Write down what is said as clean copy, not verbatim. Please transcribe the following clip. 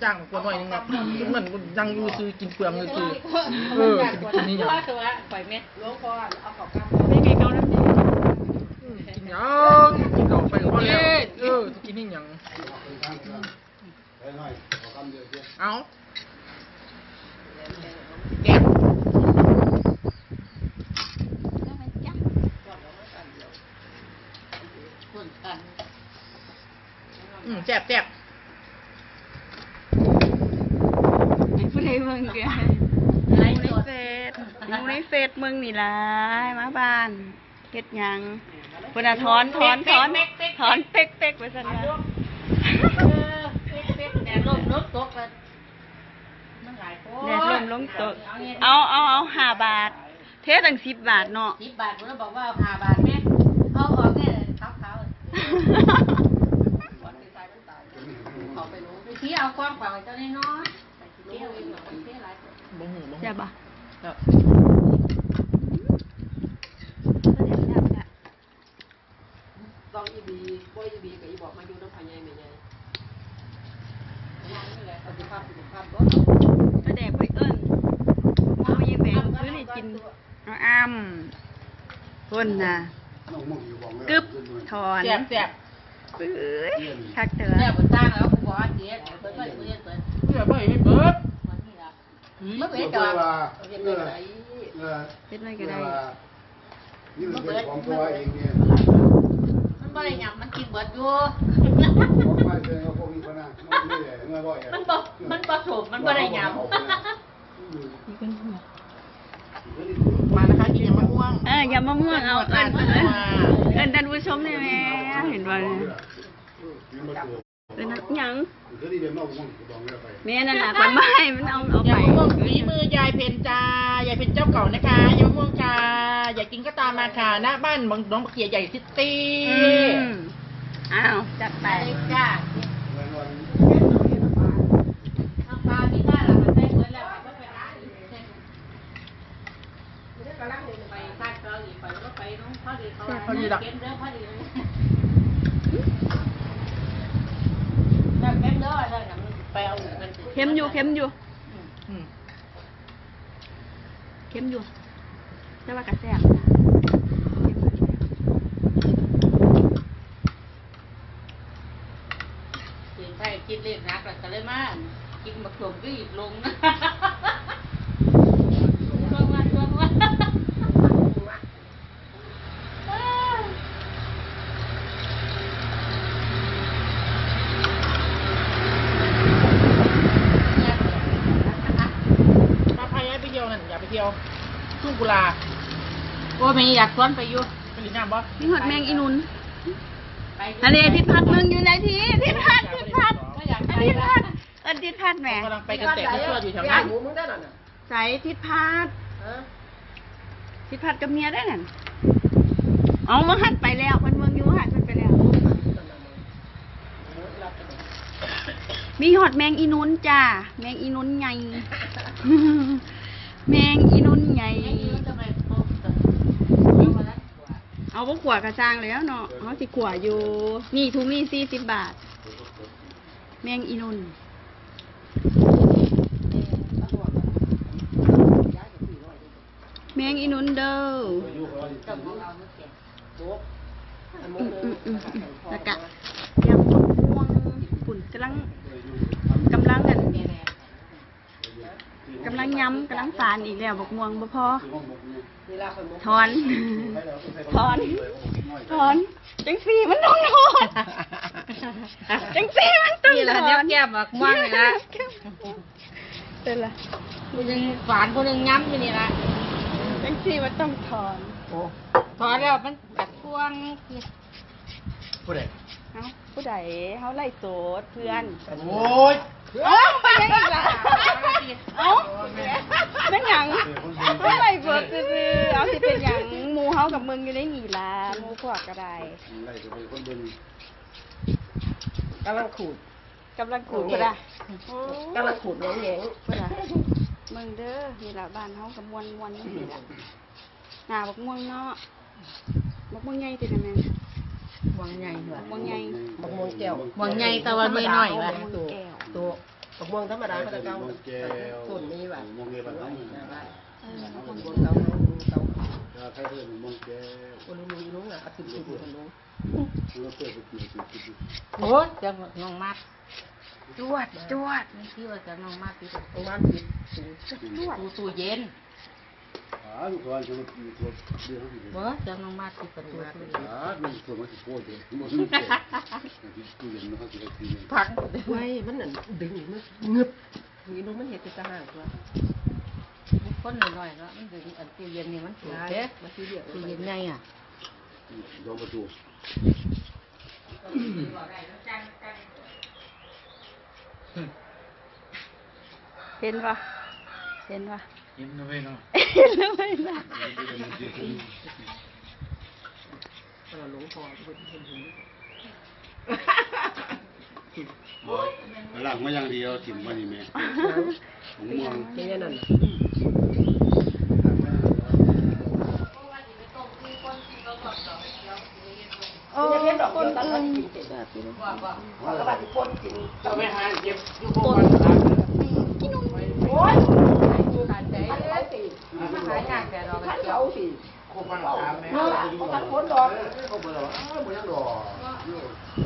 จ้างกวนหน่อยนึงนะเหมือนยังอยู่ซื้อกินเปลืองเลยคือกินนี่อย่างปล่อยเม็ดล้วงคอเอาขอบกำไม่ไงเกาน้ำดีกินยังกินออกไปก็แล้วกินนี่อย่างเอาแกะแซ่บผู้ใดมึงแกอยู่ในเฟซมึงนี่ล่ะมาบ้านเฮ็ดหยังเพิ่นน่ะถอนเป๊กไปซั่นว่าแดดลมลดตกกันมันหลายโคแดดลมลงตกเอา5 บาทเทตั้ง10 บาทเนาะ 10 บาทผมจะบอกว่า5 บาทแม่เอาออกเนี่ยขาวเขาไปรู้วิธีเอากว้างกว่าเจ้าน้อยเที่ยวเองหรอเที่ยวหลายบ่หูใช่ปะลองอีบีกับอีบอกมาอยู่น้ำพายใหญ่ไม่ใหญ่นี่แหละสุขภาพก็กระแดกไปเอิ้นโมยแบงซื้อให้กินเอาคนน่ะกึบถอนแซ่บปื้ยคักเถอะเนี่ยผมจ้างแล้วผมบอกว่าเจ๊เปิดเพื่อไม่ให้เบิดเมื่อเปิดจอดเปิดอะไรเป็นไรก็ได้นี่มันเป็นของตัวเองเนี่ยมันบ่ได้หยังมันกินเบิดอยู่ไม่ใช่เขาพวกนี้พนักนี่แหละเมื่อบ่อยมันผสมมันบ่ได้หยังมานะคะกินยำมะม่วงยำมะม่วงเอาเอิ้นท่านผู้ชมได้ไหมเห็นบ่ยังแม่นั่นน่ะคนไม่มันเอาไปยำมะม่วงฝีมือยายเพนจ้ายายเพนเจ้าเก่านะคะยำมะม่วงจ้าอยากกินก็ตามมาค่ะหน้าบ้านน้องเขียใหญ่ซิตี้อ้าวจัดไปจ้าน้ำปลาที่บ้านเรามันได้เบิดแล้วก็ไปร้านไปบ้านเราอีกไปก็ไปน้องพอดีเขาเก็บเด้อพอดีเค็มเด้อได้กันไปเอาเงินเค็มอยู่แต่ว่ากระแสบนะใช่กินเล็กนักแต่เลยมากกินมะเขือรีบลงนะช่วงวันไปเที่ยวนั่นอย่าไปเที่ยวทุ่งกุลาว่าไม่อยากชวนไปอยู่ไปหลีน้ำบ่นี่หอดแมงอีนุนอันนี้ทิศพัดมึงอยู่ไหนทิศพัดแหมกำลังไปกันแต่ไม่ชั่วอยู่แถวนั้นใส่ทิศพัดกับเมียได้นั่นเอามาหัดไปแล้วเมืองอยู่หัดมันไปแล้วมีหอดแมงอีนุนจ้าแมงอีนุนใหญ่แมงอีนุนใหญ่เอาพวกขวดกระจางแล้วเนาะเขาสิขวดอยู่นี่ทุกนี่40 บาทแมงอีนุนแมงอีนุนเด้อแล้วก็ยำม่วงฝุ่นกำลังย้ำกำลังฝานอีกแล้วบกม่วงบ่พอถอนจังสีมันต้องถอนนี่แหละเนี่ยแก้มบกม่วงเลยนะเป็นไรคนนึงฝานคนนึงย้ำอยู่นี่ละจังสีมันต้องถอนแล้วมันกัดพ่วงผู้ใดเขาไล่โสดเพื่อนโอ้ยไปยังอีกล่ะเป็นหยังเขาไล่โสดซื่อเอาสิเป็นหยังหมูเฮากับมึงอยู่ในนี่ล่ะหมูพวกก็ได้กำลังขูดก็ได้กำลังขูดน้องเหงก็ได้มึงเด้อนี่ล่ะบ้านเฮากับมวนนี่ล่ะหน้าบักม่วงเนาะบักม่วงใหญ่ติดแม่ม่วงใหญ่เหรอม่วงใหญ่ม่วงแก้วม่วงใหญ่แต่ว่าไม่น้อยว่ะตัวกับม่วงธรรมดาเขาจะเก้าแก้วส่วนนี้แบบมองเงี้ยบ้านน้องคนบนเก้าเก้าถ้าใครเพื่อนมองแก้วคนลุงอ่ะติดคนลุงเราเปิดไปเกี่ยวติดโอ้ยจะน้องมัดจวดจวดนี่ที่ว่าจะน้องมัดติดน้องมัดติดตู้เย็นลูกคนจะมาตีตัวเดือดอยู่บ่จะน้องมัดติดประตูตู้เย็นมันตัวมันสิโคตรเลยมันไม่เจ็บตู้เย็นมันเขาจะตีพังไว้มันนั่นดึงมันงึบนี่น้องมันเห็ดจะห่างตัวคนหน่อยๆแล้วมันดึงอันตู้เย็นนี่มันถูกเด้มันตู้เย็นไงอ่ะยอมประตูเห็นปะเห็นปะยิ้มด้วยเนาะเห็นแล้วไหมล่ะเราหลงพอคนเห็นหลังมาอย่างเดียวถิ่มมานี่แม่ผมมองแค่นั้นโอ้คนอื่นแบบนี้เอาไปหาเก็บอยู่โคกันกินนมโอ้ย